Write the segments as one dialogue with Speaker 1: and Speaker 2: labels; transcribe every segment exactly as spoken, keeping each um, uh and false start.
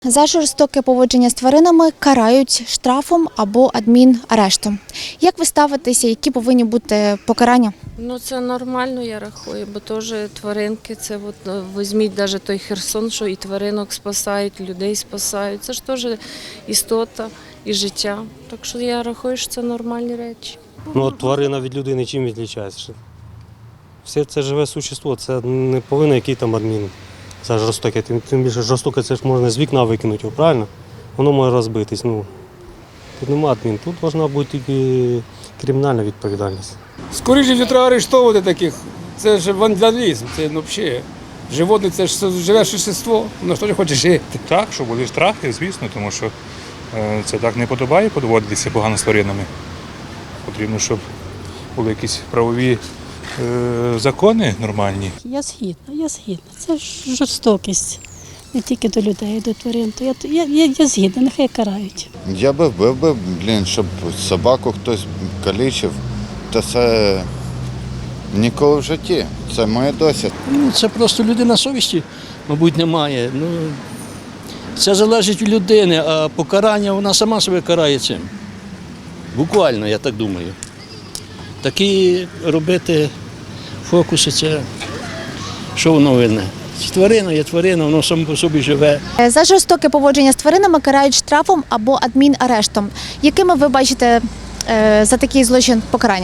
Speaker 1: За жорстоке поводження з тваринами карають штрафом або адмінарештом. Як ви ставитеся, які повинні бути покарання?
Speaker 2: Ну це нормально, я рахую, бо теж тваринки, це от, ну, візьміть навіть той Херсон, що і тваринок спасають, людей спасають. Це ж теж істота і життя. Так що я рахую, що це нормальні речі.
Speaker 3: Ну, от тварина від людини чим відрізняється? Все це живе существо, це не повинен який там адмін за жорстоке. Тим, тим більше жорстоке це ж можна з вікна викинути, його, правильно? Воно може розбитись. Ну, тут нема адмін, тут повинна бути тільки кримінальна відповідальність.
Speaker 4: Скоріше вже треба арештовувати таких. Це ж вандалізм, це ну, взагалі. Животне це ж живе существо, воно ж теж хоче жити.
Speaker 5: Так, що були штрафи, звісно, тому що е, це так не подобає поводитися погано з тваринами. Потрібно, щоб були якісь правові е, закони нормальні.
Speaker 6: Я згідна, я згідна. Це ж жорстокість. Не тільки до людей, а до тварин. То я, я, я, я згідна, нехай карають.
Speaker 7: Я би вбив би, блін, щоб собаку хтось калічив, та це ніколи в житті. Це моє досвід.
Speaker 8: Ну, це просто людина совісті, мабуть, немає. Ну, це залежить від людини, а покарання вона сама себе карає цим. Буквально, я так думаю. Такі робити фокуси, це що воно винне? Тварина є тварина, воно само по собі живе.
Speaker 1: За жорстоке поводження з тваринами карають штрафом або адмінарештом. Якими ви бачите е, за такий злочин покарання?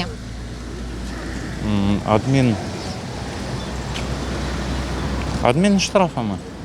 Speaker 9: Адмін. Адмінштрафами.